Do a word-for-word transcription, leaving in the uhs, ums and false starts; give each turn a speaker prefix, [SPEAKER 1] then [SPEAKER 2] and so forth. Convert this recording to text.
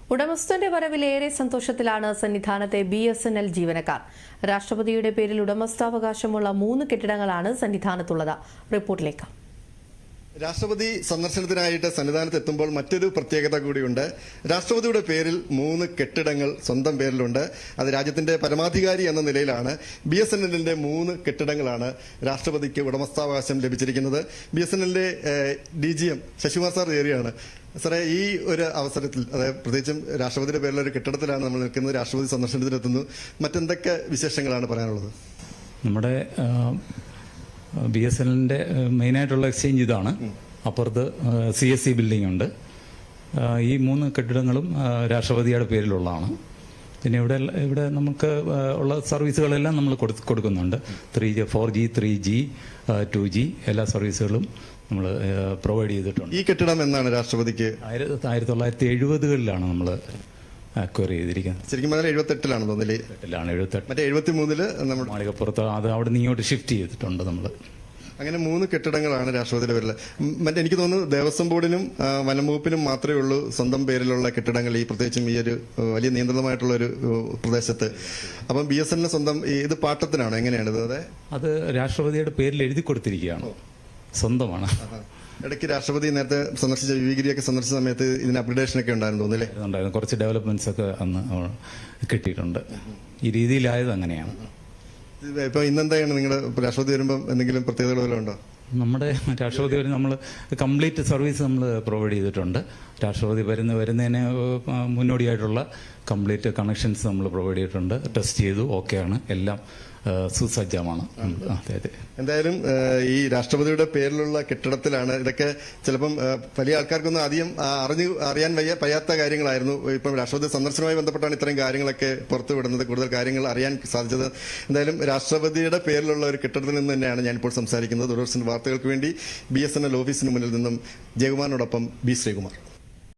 [SPEAKER 1] ഉടമസ്ഥന്റെ വരവിലേറെ സന്തോഷത്തിലാണ് സന്നിധാനത്തെ ബി എസ് എൻ എൽ ജീവനക്കാർ. രാഷ്ട്രപതിയുടെ പേരിൽ ഉടമസ്ഥാവകാശമുള്ള മൂന്ന് കെട്ടിടങ്ങളാണ് സന്നിധാനത്തുള്ളത്. റിപ്പോർട്ടിലേക്ക്.
[SPEAKER 2] രാഷ്ട്രപതി സന്ദർശനത്തിനായിട്ട് സന്നിധാനത്ത് എത്തുമ്പോൾ മറ്റൊരു പ്രത്യേകത കൂടിയുണ്ട്. രാഷ്ട്രപതിയുടെ പേരിൽ മൂന്ന് കെട്ടിടങ്ങൾ സ്വന്തം പേരിലുണ്ട്. അത് രാജ്യത്തിന്റെ പരമാധികാരി എന്ന നിലയിലാണ്. ബി എസ് എൻ എല്ലിന്റെ മൂന്ന് കെട്ടിടങ്ങളാണ് രാഷ്ട്രപതിക്ക് ഉടമസ്ഥാവകാശം ലഭിച്ചിരിക്കുന്നത്. ബി എസ് എൻ എല്ലിന്റെ D G M Sasikumar sir ഏരിയയാണ്. സാറേ, ഈ ഒരു അവസരത്തിൽ, അതായത് പ്രത്യേകിച്ചും രാഷ്ട്രപതിയുടെ പേരിലുള്ള ഒരു കെട്ടിടത്തിലാണ് നമ്മൾ നിൽക്കുന്നത്. രാഷ്ട്രപതി സന്ദർശനത്തിനെത്തുന്നു. മറ്റെന്തൊക്കെ വിശേഷങ്ങളാണ് പറയാനുള്ളത്?
[SPEAKER 3] നമ്മുടെ ബി എസ് എൻ എല്ലിന്റെ മെയിനായിട്ടുള്ള എക്സ്ചേഞ്ച് ഇതാണ്. അപ്പുറത്ത് സി എസ് സി ബിൽഡിംഗ് ഉണ്ട്. ഈ മൂന്ന് കെട്ടിടങ്ങളും രാഷ്ട്രപതിയുടെ പേരിലുള്ളതാണ്. പിന്നെ ഇവിടെ ഇവിടെ നമുക്ക് ഉള്ള സർവീസുകളെല്ലാം നമ്മൾ കൊടുക്കുന്നുണ്ട്. Three G four G three G two G എല്ലാ സർവീസുകളും നമ്മൾ പ്രൊവൈഡ് ചെയ്തിട്ടുണ്ട്.
[SPEAKER 2] ഈ കെട്ടിടം എന്നാണ് രാഷ്ട്രപതിക്ക്?
[SPEAKER 3] ആയിരത്തി തൊള്ളായിരത്തി എഴുപതുകളിലാണ് നമ്മൾ അക്വയർ ചെയ്തിരിക്കുന്നത്.
[SPEAKER 2] ശരിക്കും പറഞ്ഞാൽ എഴുപത്തെട്ടിലാണ് തോന്നില്ലേ?
[SPEAKER 3] എട്ടിലാണ് എഴുപത്തെട്ട്
[SPEAKER 2] മറ്റേ എഴുപത്തി മൂന്നില് നമ്മൾ
[SPEAKER 3] മാളികപ്പുറത്ത് അത് അവിടെ നിന്ന് ഇങ്ങോട്ട് ഷിഫ്റ്റ് ചെയ്തിട്ടുണ്ട് നമ്മൾ.
[SPEAKER 2] അങ്ങനെ മൂന്ന് കെട്ടിടങ്ങളാണ് രാഷ്ട്രപതിയുടെ പേരിൽ. മറ്റേ എനിക്ക് തോന്നുന്നു ദേവസ്വം ബോർഡിനും വനംവകുപ്പിനും മാത്രമേ ഉള്ളൂ സ്വന്തം പേരിലുള്ള കെട്ടിടങ്ങൾ, ഈ പ്രത്യേകിച്ചും ഈ ഒരു വലിയ നിയന്ത്രിതമായിട്ടുള്ള ഒരു പ്രദേശത്ത്. അപ്പം ബി എസ് എൻ സ്വന്തം ഇത് പാട്ടത്തിനാണോ, എങ്ങനെയാണ് ഇത്? അതെ,
[SPEAKER 3] അത് രാഷ്ട്രപതിയുടെ പേരിൽ എഴുതി കൊടുത്തിരിക്കുകയാണ്, സ്വന്തമാണ്.
[SPEAKER 2] ഇടയ്ക്ക് രാഷ്ട്രപതി നേരത്തെ സന്ദർശിച്ച വിവിഗിരിയൊക്കെ സന്ദർശിച്ച സമയത്ത് ഇതിന് അപ്ഡേഷൻ ഒക്കെ ഉണ്ടായിരുന്നു തോന്നില്ലേ?
[SPEAKER 3] ഉണ്ടായിരുന്നു, കുറച്ച് ഡെവലപ്മെന്റ്സ് ഒക്കെ അന്ന് കിട്ടിയിട്ടുണ്ട്. ഈ രീതിയിലായത് അങ്ങനെയാണ്.
[SPEAKER 2] ഇപ്പൊ ഇന്നെന്താണ് നിങ്ങളുടെ രാഷ്ട്രപതി വരുമ്പോൾ എന്തെങ്കിലും പ്രത്യേകതകൾ വല്ലതും ഉണ്ടോ?
[SPEAKER 3] നമ്മുടെ രാഷ്ട്രപതി വരും നമ്മൾ കംപ്ലീറ്റ് സർവീസ് നമ്മൾ പ്രൊവൈഡ് ചെയ്തിട്ടുണ്ട്. രാഷ്ട്രപതി വരുന്ന വരുന്നതിന് മുന്നോടിയായിട്ടുള്ള കംപ്ലീറ്റ് കണക്ഷൻസ് നമ്മൾ പ്രൊവൈഡ് ചെയ്തിട്ടുണ്ട്. ടെസ്റ്റ് ചെയ്തു, ഓക്കെയാണ്, എല്ലാം സുസജ്ജമാണ്. അതെ അതെ.
[SPEAKER 2] എന്തായാലും ഈ രാഷ്ട്രപതിയുടെ പേരിലുള്ള കെട്ടിടത്തിലാണ് ഇതൊക്കെ. ചിലപ്പം വലിയ ആൾക്കാർക്കൊന്നും അധികം അറിഞ്ഞു അറിയാൻ വയ്യ പയ്യാത്ത കാര്യങ്ങളായിരുന്നു. ഇപ്പം രാഷ്ട്രപതി സന്ദർശനവുമായി ബന്ധപ്പെട്ടാണ് ഇത്രയും കാര്യങ്ങളൊക്കെ പുറത്തു വിടുന്നത്, കൂടുതൽ കാര്യങ്ങൾ അറിയാൻ സാധിച്ചത്. എന്തായാലും രാഷ്ട്രപതിയുടെ പേരിലുള്ള ഒരു കെട്ടിടത്തിൽ നിന്ന് തന്നെയാണ് ഞാനിപ്പോൾ സംസാരിക്കുന്നത്. ദൂരദർശൻ വാർത്തകൾക്ക് വേണ്ടി ബി എസ് എൻ എൽ ഓഫീസിന് മുന്നിൽ നിന്നും ജയകുമാറിനോടൊപ്പം ബി ശ്രീകുമാർ.